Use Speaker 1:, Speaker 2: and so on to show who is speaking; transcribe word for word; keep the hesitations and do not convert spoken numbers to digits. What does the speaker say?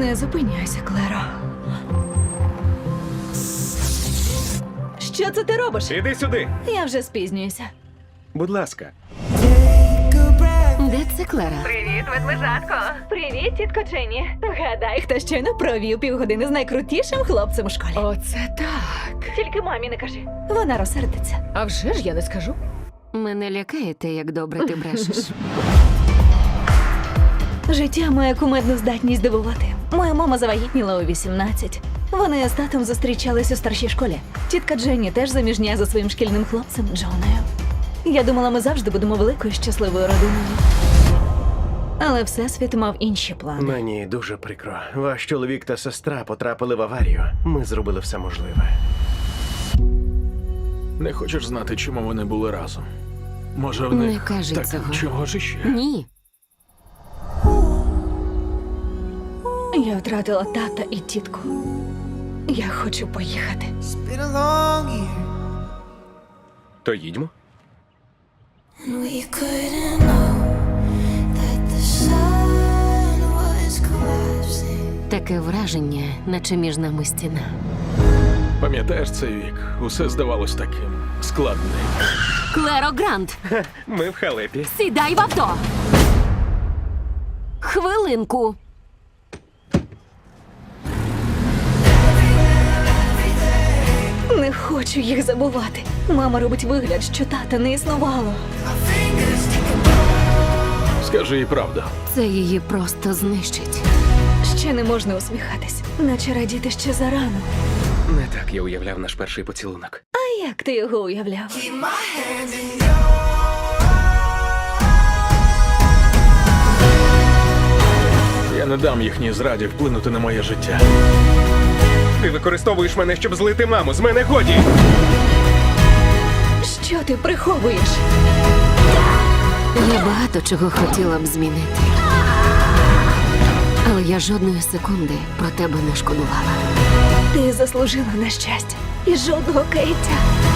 Speaker 1: Не зупиняйся, Клеро. Що це ти робиш?
Speaker 2: Іди сюди.
Speaker 1: Я вже спізнююся.
Speaker 2: Будь ласка.
Speaker 3: Де це Клера?
Speaker 1: Привіт, ведмежатко. Привіт, тітко Дженні. Гадай, хто щойно провів півгодини з найкрутішим хлопцем у школі.
Speaker 3: Оце так.
Speaker 1: Тільки мамі не кажи. Вона розсердиться.
Speaker 3: А вже ж я не скажу. Мене лякає те, як добре ти брешеш.
Speaker 1: Життя має кумедну здатність дивувати. Моя мама завагітніла у вісімнадцять. Вони з татом зустрічались у старшій школі. Тітка Дженні теж заміжня за своїм шкільним хлопцем Джоною. Я думала, ми завжди будемо великою щасливою родиною. Але Всесвіт мав інші плани.
Speaker 2: Мені дуже прикро. Ваш чоловік та сестра потрапили в аварію. Ми зробили все можливе.
Speaker 4: Не хочеш знати, чому вони були разом? Може, в них
Speaker 3: Не кажи
Speaker 4: так
Speaker 3: цього.
Speaker 4: чого ж іще?
Speaker 3: Ні.
Speaker 1: Я втратила тата і тітку. Я хочу поїхати.
Speaker 5: Been a long year,
Speaker 2: То їдьмо.
Speaker 5: and we couldn't know that the sun was collapsing.
Speaker 3: Таке враження, наче між нами стіна.
Speaker 4: Пам'ятаєш цей вік? Усе здавалось таким складним.
Speaker 3: Клеро Грант,
Speaker 2: Ми в халепі.
Speaker 3: сідай в авто! Хвилинку.
Speaker 1: Не хочу їх забувати. Мама робить вигляд, що тата не існувало.
Speaker 4: Скажи їй правду.
Speaker 3: Це її просто знищить.
Speaker 1: Ще не можна усміхатись, наче радіти ще зарано.
Speaker 2: Не так я уявляв наш перший поцілунок.
Speaker 1: А як ти його уявляв?
Speaker 4: Я не дам їхній зраді вплинути на моє життя.
Speaker 2: Ти використовуєш мене, щоб злити маму. З мене годі.
Speaker 1: Що ти приховуєш?
Speaker 3: Я багато чого хотіла б змінити. Але я жодної секунди про тебе не шкодувала.
Speaker 1: Ти заслужила на щастя і жодного каяття.